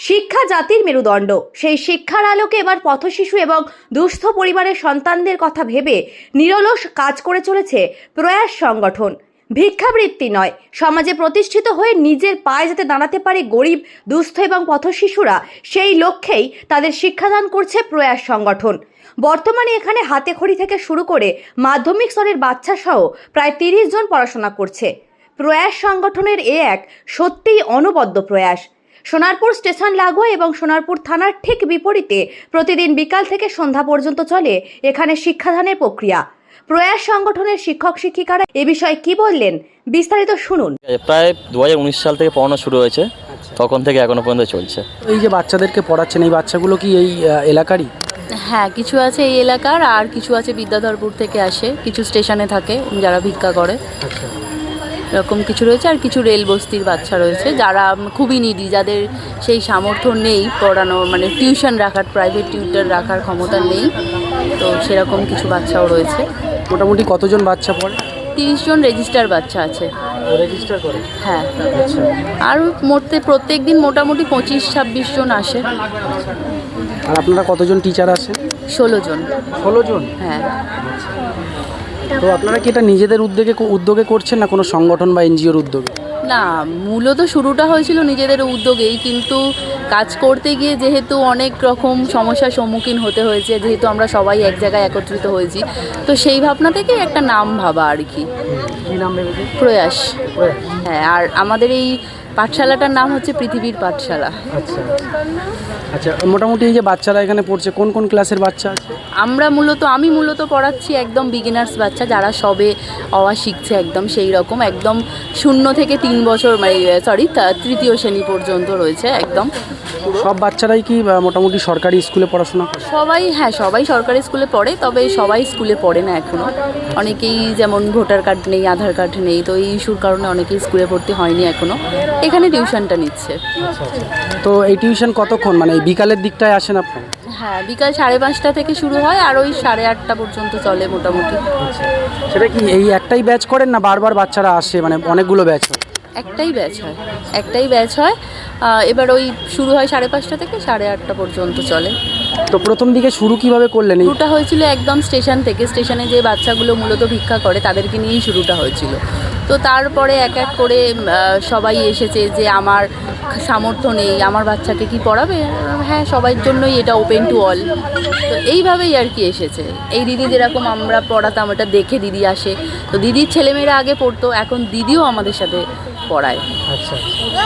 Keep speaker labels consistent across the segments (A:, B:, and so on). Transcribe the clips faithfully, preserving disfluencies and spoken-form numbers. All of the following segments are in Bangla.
A: শিক্ষা জাতির মেরুদণ্ড। সেই শিক্ষার আলোকে এবার পথশিশু এবং দুস্থ পরিবারের সন্তানদের কথা ভেবে নিরলস কাজ করে চলেছে প্রয়াস সংগঠন। ভিক্ষাবৃত্তি নয়, সমাজে প্রতিষ্ঠিত হয়ে নিজের পায়ে যাতে দাঁড়াতে পারে গরিব, দুস্থ এবং পথশিশুরা, সেই লক্ষ্যেই তাদের শিক্ষাদান করছে প্রয়াস সংগঠন। বর্তমানে এখানে হাতেখড়ি থেকে শুরু করে মাধ্যমিক স্তরের বাচ্চা সহ প্রায় তিরিশ জন পড়াশোনা করছে। প্রয়াস সংগঠনের এ এক সত্যিই অনবদ্য প্রয়াস। সোনারপুর স্টেশন লাগোয়া এবং সোনারপুর থানার ঠিক বিপরীতে প্রতিদিন বিকাল থেকে সন্ধ্যা পর্যন্ত চলে এখানে শিক্ষাদানের প্রক্রিয়া। প্রয়াস সংগঠনের শিক্ষক শিক্ষিকারা এ বিষয়ে কি বললেন, বিস্তারিত শুনুন।
B: প্রায় দু হাজার উনিশ সাল থেকে পড়ানো শুরু হয়েছে, তখন থেকে এখনো পর্যন্ত চলছে।
C: এই যে বাচ্চাদেরকে পড়াচ্ছেন, এই বাচ্চাগুলো কি এই এলাকারই?
D: হ্যাঁ, কিছু আছে এই এলাকার, আর কিছু আছে বিদ্যাধরপুর থেকে আসে, কিছু স্টেশনে থাকে যারা ভিক্ষা করে, এরকম কিছু রয়েছে। আর কিছু রেল বস্তির বাচ্চা রয়েছে যারা খুবই নিডি, যাদের সেই সামর্থ্য নেই পড়ানো, মানে টিউশন রাখার, প্রাইভেট টিউটর রাখার ক্ষমতা নেই, তো সেরকম কিছু বাচ্চাও রয়েছে।
C: মোটামুটি কতজন বাচ্চা পড়ে?
D: তিরিশ জন রেজিস্টার বাচ্চা আছে।
C: রেজিস্টার করে?
D: হ্যাঁ, আর মোটে প্রত্যেক দিন মোটামুটি পঁচিশ ছাব্বিশ জন আসে।
C: আর আপনারা কতজন টিচার আছেন?
D: ষোলো জন।
C: ষোলো জন?
D: হ্যাঁ।
C: তো আপনারা কি এটা নিজেদের উদ্যোগে উদ্যোগে করছেন না কোনো সংগঠন বা এনজিওর উদ্যোগে?
D: না, মূলত শুরুটা হয়েছিল নিজেদের উদ্যোগেই, কিন্তু কাজ করতে গিয়ে যেহেতু অনেক রকম সমস্যার সম্মুখীন হতে হয়েছে, যেহেতু আমরা সবাই এক জায়গায় একত্রিত হয়েছি, তো সেই ভাবনা থেকেই একটা নাম ভাবা আর কি।
C: কী নাম ভেবেছে?
D: প্রয়াস। হ্যাঁ, আর আমাদের এই পাঠশালাটার নাম হচ্ছে পৃথিবীর পাঠশালা।
C: আচ্ছা আচ্ছা, মোটামুটি এই যে বাচ্চারা এখানে পড়ছে, কোন কোন ক্লাসের বাচ্চা আছে?
D: আমরা মূলত আমি মূলত পড়াচ্ছি একদম বিগিনার্স বাচ্চা, যারা সবে অওয়া শিখছে, একদম সেই রকম, একদম শূন্য থেকে তিন বছর, মানে সরি তৃতীয় শ্রেণী পর্যন্ত রয়েছে একদম।
C: সব বাচ্চারাই কি মোটামুটি সরকারি স্কুলে পড়াশোনা করে?
D: সবাই, হ্যাঁ সবাই সরকারি স্কুলে পড়ে, তবে সবাই স্কুলে পড়ে না এখনও। অনেকেই যেমন ভোটার কার্ড নেই, আধার কার্ড নেই, তো এই ইস্যুর কারণে অনেকেই স্কুলে ভর্তি হয়নি এখনও, এখানে টিউশনটা নিচ্ছে।
C: তো এই টিউশন কতক্ষণ, মানে বিকালের দিকটায় আসেন আপনারা?
D: হ্যাঁ, বিকাল সাড়ে পাঁচটা থেকে শুরু হয় আর ওই সাড়ে আটটা পর্যন্ত চলে মোটামুটি।
C: সেটা কি এই একটাই ব্যাচ করেন না বারবার বাচ্চারা আসে, মানে অনেকগুলো ব্যাচ হয়?
D: একটাই ব্যাচ হয়, একটাই ব্যাচ হয়। এবার ওই শুরু হয় সাড়ে পাঁচটা থেকে সাড়ে আটটা পর্যন্ত চলে।
C: তো প্রথম দিকে শুরু কিভাবে করলেন?
D: শুরুটা হয়েছিল একদম স্টেশন থেকে, স্টেশনে যে বাচ্চাগুলো মূলত ভিক্ষা করে তাদেরকে নিয়েই শুরুটা হয়েছিল। তো তারপরে এক এক করে সবাই এসেছে যে আমার সামর্থ্য নেই, আমার বাচ্চাকে কি পড়াবে? হ্যাঁ, সবার জন্যই এটা ওপেন টু অল। তো এইভাবেই আর কি এসেছে। এই দিদি যেরকম আমরা পড়াতাম, এটা দেখে দিদি আসে, তো দিদির ছেলেমেয়েরা আগে পড়তো, এখন দিদিও আমাদের সাথে পড়ায়।
C: আচ্ছা,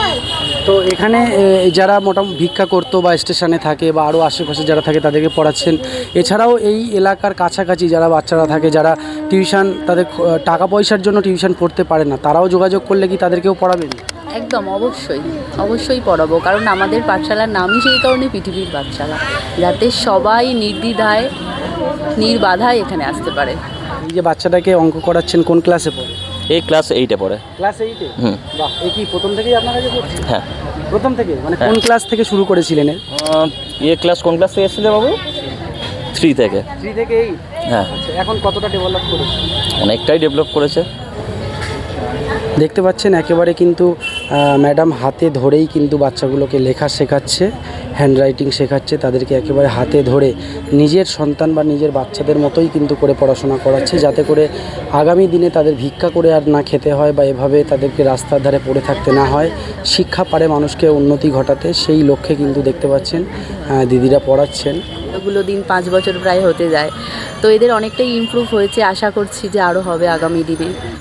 C: তো এখানে যারা মোটামুটি ভিক্ষা করতো বা স্টেশনে থাকে বা আরও আশেপাশে যারা থাকে তাদেরকে পড়াচ্ছেন, এছাড়াও এই এলাকার কাছাকাছি যারা বাচ্চারা থাকে, যারা টিউশন, তাদের টাকা পয়সার জন্য টিউশন পড়তে পারে না, তারাও যোগাযোগ করলে কি তাদেরকেও পড়াবেন?
D: একদম, অবশ্যই অবশ্যই পড়াবো, কারণ আমাদের পাঠশালার নামই সেই কারণে পৃথিবীর পাঠশালা, যাতে সবাই নির্দ্বিধায় নির্বাধায় এখানে আসতে পারে।
C: এই যে বাচ্চাটাকে অঙ্ক করাচ্ছেন, কোন ক্লাসে পড়ে?
B: এই ক্লাস এইটে পড়ে।
C: ক্লাস এইটে?
B: হুম।
C: বাহ, এই কি প্রথম থেকেই আপনার কাছে পড়ছে?
B: হ্যাঁ,
C: প্রথম থেকে। মানে কোন ক্লাস থেকে শুরু করেছিলেন?
B: এই ক্লাস কোন ক্লাস থেকে এসেছিল বাবু? থ্রি থেকে।
C: থ্রি থেকে এইট?
B: হ্যাঁ।
C: আচ্ছা, এখন কতটা ডেভেলপ করেছে?
B: অনেকটাই ডেভেলপ করেছে।
C: দেখতে পাচ্ছেন একেবারে কিন্তু ম্যাডাম হাতে ধরেই কিন্তু বাচ্চাগুলোকে লেখা শেখাচ্ছে, হ্যান্ডরাইটিং শেখাচ্ছে, তাদেরকে একেবারে হাতে ধরে নিজের সন্তান বা নিজের বাচ্চাদের মতোই কিন্তু করে পড়াশোনা করাচ্ছে, যাতে করে আগামী দিনে তাদের ভিক্ষা করে আর না খেতে হয় বা এভাবে তাদেরকে রাস্তার ধারে পড়ে থাকতে না হয়। শিক্ষা পারে মানুষকে উন্নতি ঘটাতে, সেই লক্ষ্যে কিন্তু দেখতে পাচ্ছেন দিদিরা পড়াচ্ছেন।
D: এগুলো দিন পাঁচ বছর প্রায় হতে যায়, তো এদের অনেকটাই ইমপ্রুভ হয়েছে, আশা করছি যে আরও হবে আগামী দিনে।